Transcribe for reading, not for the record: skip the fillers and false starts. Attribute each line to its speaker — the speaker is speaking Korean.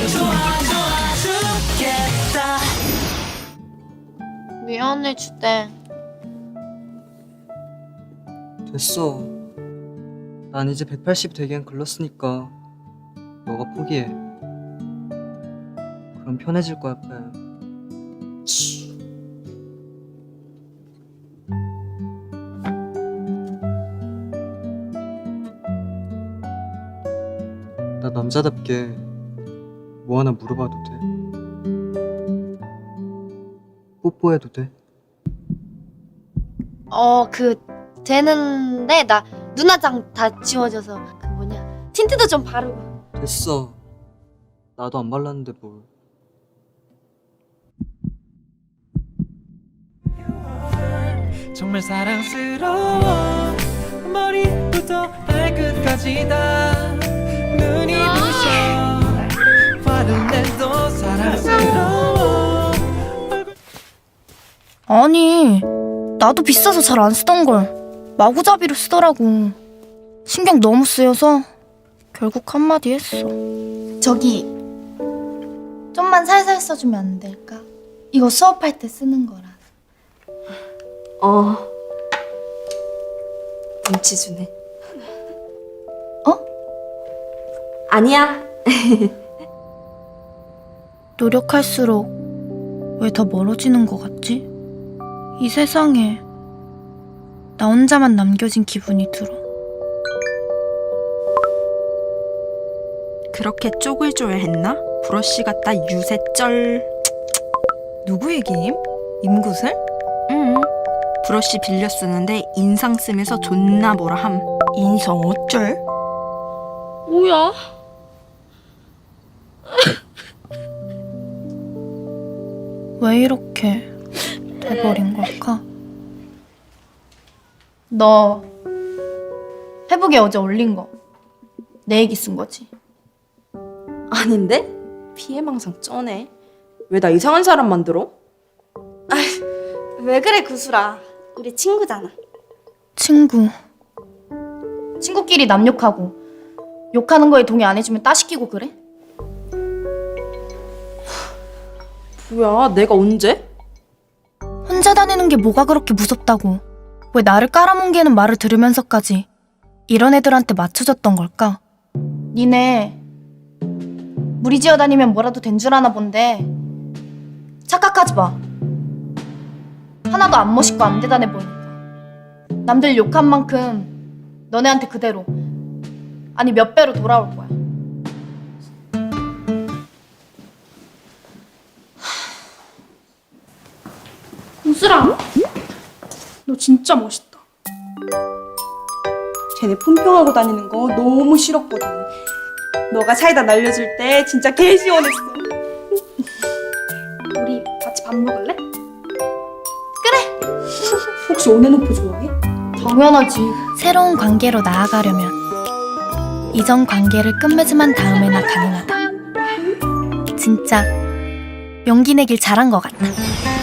Speaker 1: 미안해, 주대.
Speaker 2: 됐어. 난 이제 180 되기엔 글렀으니까 너가 포기해. 그럼 편해질 거야, 뺨. 나 남자답게 뭐 하나 물어봐도 돼? 뽀뽀해도 돼?
Speaker 1: 되는데, 나 눈화장 다 지워져서, 틴트도 좀 바르고.
Speaker 2: 됐어. 나도 안 발랐는데 뭘.
Speaker 3: 정말 사랑스러워. 머리부터 발끝까지 다 눈이 부셔. 화를 내도 사랑스러워.
Speaker 4: 아니, 나도 비싸서 잘 안 쓰던 걸 마구잡이로 쓰더라고. 신경 너무 쓰여서 결국 한마디 했어.
Speaker 1: 저기, 좀만 살살 써주면 안 될까? 이거 수업할 때 쓰는 거라.
Speaker 5: 눈치 주네.
Speaker 1: 어?
Speaker 5: 아니야.
Speaker 4: 노력할수록 왜 더 멀어지는 것 같지? 이 세상에 나 혼자만 남겨진 기분이 들어.
Speaker 6: 그렇게 쪼글쪼글했나? 브러쉬 같다 유세쩔. 누구 얘기임? 임구슬? 응. 브러쉬 빌려 쓰는데 인상 쓰면서 존나 뭐라 함. 인성 어쩔?
Speaker 1: 뭐야?
Speaker 4: 왜 이렇게 돼버린 걸까?
Speaker 1: 너 페북에 어제 올린 거 내 얘기 쓴 거지?
Speaker 5: 아닌데? 피해망상 쩌네. 왜 나 이상한 사람 만들어?
Speaker 1: 왜 그래, 구슬아. 우리 친구잖아.
Speaker 4: 친구.
Speaker 1: 친구끼리 남 욕하고 욕하는 거에 동의 안 해주면 따시키고 그래?
Speaker 5: 뭐야, 내가 언제?
Speaker 4: 혼자 다니는 게 뭐가 그렇게 무섭다고. 왜 나를 깔아뭉개는 말을 들으면서까지 이런 애들한테 맞춰줬던 걸까?
Speaker 1: 니네 무리지어 다니면 뭐라도 된 줄 아나 본데 착각하지 마. 하나도 안 멋있고 안 대단해 보이니까 남들 욕한 만큼 너네한테 그대로, 아니 몇 배로 돌아올 거야.
Speaker 7: 우슬아, 너 진짜 멋있다. 쟤네 품평하고 다니는 거 너무 싫었거든. 너가 사이다 날려줄 때 진짜 개 시원했어. 우리 같이 밥 먹을래? 혹시 온앤오프 좋아해?
Speaker 1: 당연하지.
Speaker 4: 새로운 관계로 나아가려면 이전 관계를 끝맺음한 다음에나 가능하다. 진짜 용기 내길 잘한 것 같다.